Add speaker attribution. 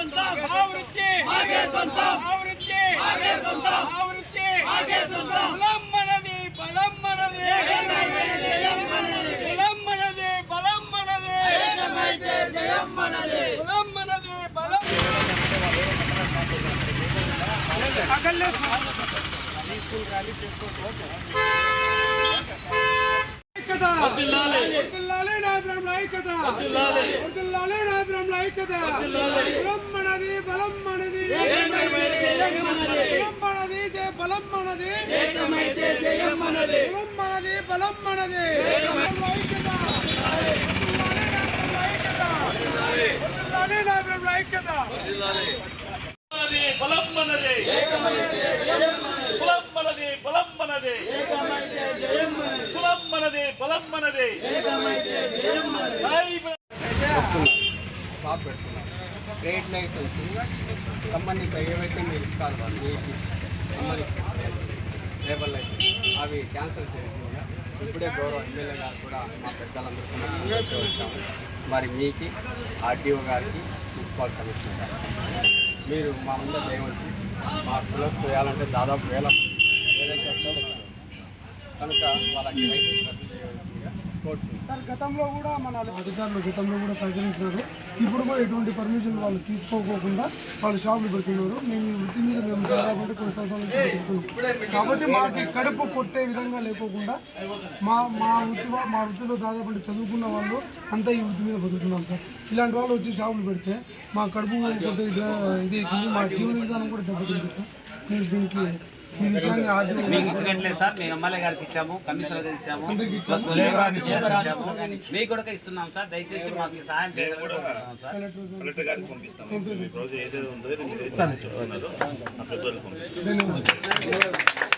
Speaker 1: Trade licence సంబంధిత ఏవైతే మీరు ఇస్తారు లేబర్ లైసెన్స్ అవి క్యాన్సిల్ చేసిందిగా ఇప్పుడే గౌరవ ఎమ్మెల్యే గారు కూడా మా పెద్దలందరూ వచ్చాము. మరి మీకు ఆర్టీఓ గారికి మున్సిపల్ కమిషనర్ గారు మీరు మా ముందు చేయవచ్చు. మా పిల్లలు చేయాలంటే దాదాపు వేల ఏదైతే కనుక వాళ్ళకి లైసెన్స్ రద్దు చేయవలసిందిగా కోరుతున్నాం.
Speaker 2: సార్ గతంలో కూడా మన అధికారులు ప్రచురించినారు. ఇప్పుడు కూడా ఎటువంటి పర్మిషన్ వాళ్ళు తీసుకోకుండా వాళ్ళు షాపులు పెడుతున్నారు. మేము ఈ వృత్తి మీద మేము దాదాపు కొన్ని సంవత్సరాల నుంచి పెడుతున్నాం. కాబట్టి మాకు కడుపు కొట్టే విధంగా లేకోకుండా మా వృత్తిలో దాదాపు చదువుకున్న వాళ్ళు అంతా ఈ వృత్తి మీద బతుకుతున్నాం సార్. ఇలాంటి వాళ్ళు వచ్చి షాపులు పెడితే మా కడుపు కొట్టే ఇది అవుతుంది, మా జీవన విధానం కూడా దెబ్బతింటుంది సార్. మేము దీనికి
Speaker 3: సార్ మేము ఎమ్మెల్యే గారికి ఇచ్చాము, కమిషనర్ గారికి ఇచ్చాము, మీకు కూడా ఇస్తున్నాం సార్. దయచేసి మాకు సహాయం చేయాలి.